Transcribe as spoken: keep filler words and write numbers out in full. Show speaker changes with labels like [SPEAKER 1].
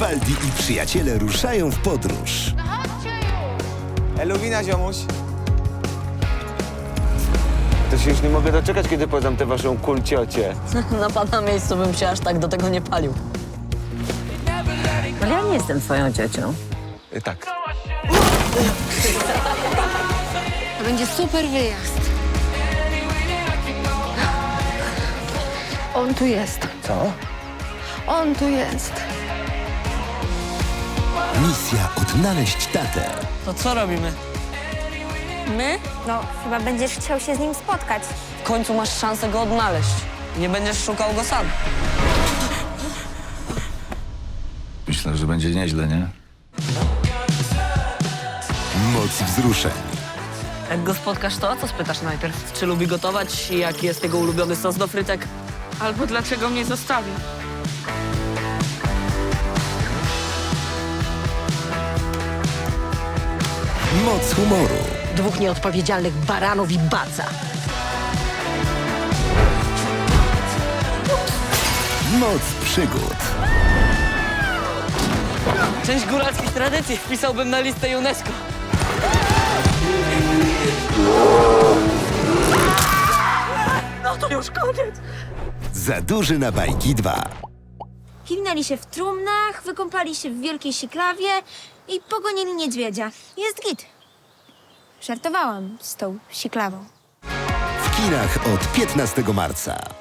[SPEAKER 1] Baldi i przyjaciele ruszają w podróż.
[SPEAKER 2] Eluwina, ziomuś. To się już nie mogę doczekać, kiedy poznam tę waszą kulciocie.
[SPEAKER 3] Na pana miejscu bym się aż tak do tego nie palił. Ale ja nie jestem twoją ciocią.
[SPEAKER 2] Y, tak.
[SPEAKER 4] To będzie super wyjazd. On tu jest.
[SPEAKER 2] Co?
[SPEAKER 4] On tu jest.
[SPEAKER 1] Misja odnaleźć tatę.
[SPEAKER 3] To co robimy? My?
[SPEAKER 5] No, chyba będziesz chciał się z nim spotkać.
[SPEAKER 3] W końcu masz szansę go odnaleźć. Nie będziesz szukał go sam.
[SPEAKER 6] Myślę, że będzie nieźle, nie?
[SPEAKER 1] Moc wzruszeń.
[SPEAKER 3] Jak go spotkasz, to o co spytasz najpierw? Czy lubi gotować i jaki jest jego ulubiony sos do frytek? Albo dlaczego mnie zostawił?
[SPEAKER 1] Moc humoru.
[SPEAKER 7] Dwóch nieodpowiedzialnych baranów i baca.
[SPEAKER 1] Moc przygód.
[SPEAKER 3] Część góralskich tradycji wpisałbym na listę UNESCO. No to już koniec.
[SPEAKER 1] Za duży na bajki dwa.
[SPEAKER 5] Kiwnęli się w trumnach, wykąpali się w wielkiej siklawie i pogonili niedźwiedzia. Jest git. Żartowałam z tą siklawą.
[SPEAKER 1] W kinach od piętnastego marca.